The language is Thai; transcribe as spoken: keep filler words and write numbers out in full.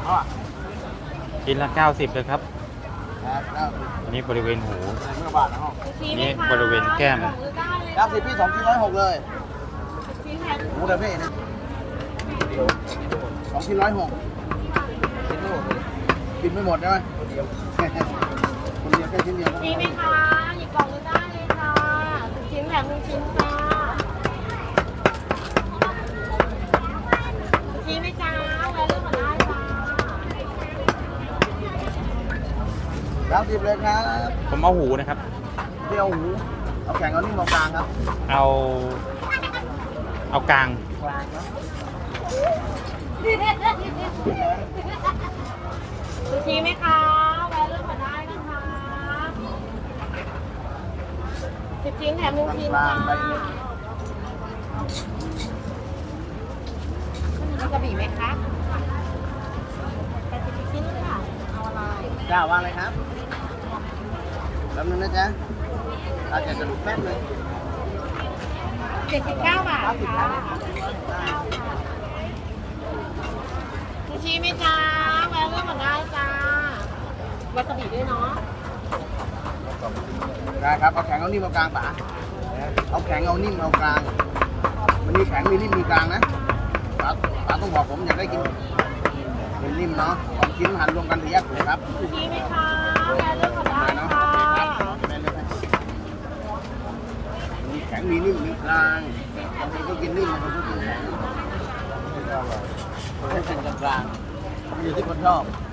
ชิ้นละเก้าสิบเลยครับครับเก้าสิบอันนี้บริเวณหูเมื่อบาทนะห้องนี่บริเวณแก้มเก้าสิบพี่สองชิ้นร้อยหกเลยหมูเดยวพี่นะสองชิ้นร้อยหกกินไม่หมดใช่ไหมคนเดียวคนเดียวแค่ชิ้นเดียวมีไหมคะหยิบกล่องเลยได้เลยค่ะสิบชิ้นแถมหนึ่งชิ้นจ้าชิ้นไหมจ้าแวะเลือกมาได้จ้าเก้าสิบเลยครับผมเอาหูนะครับเที่ยวหูเอาแข่งเอานิ่มเอากลางครับเอา เอากลางซูชิไหมคะแวะเลือกมาได้นะคะสิบชิ้นแถมหนึ่งชิ้นจ้ามีกระบี่ไหมคะแต่สิบชิ้นเลยค่ะเอาอะไรจ้าวางเลยครับแป๊บนึงนะจ๊ะอาจจะสรุปแป๊บนึงเจ็ดสิบเก้าบาทค่ะซูชิไหมจ้าแวะเลือกมาได้จ้าวาซาบิด้วยเนาะได้ครับเอาแข็งเอานิ่มเอากลางป๋าเอาแข็งเอานิ่มเอากลางมันมีแข็งมีนิ่มมีกลางนะป๋าป๋าต้องบอกผมอยากได้กินเป็นนิ่มเนาะสองชิ้นหั่นรวมกันสี่แยกถูกครับซูชิไหมคะแวะเลือกมาได้เนาะค่ะได้เลยมีแข็งมีนิ่มมีกลางบางคนก็กินนิ่มบางคนก็กินแข็งให้กินกลางๆมันอยู่ที่คนชอบ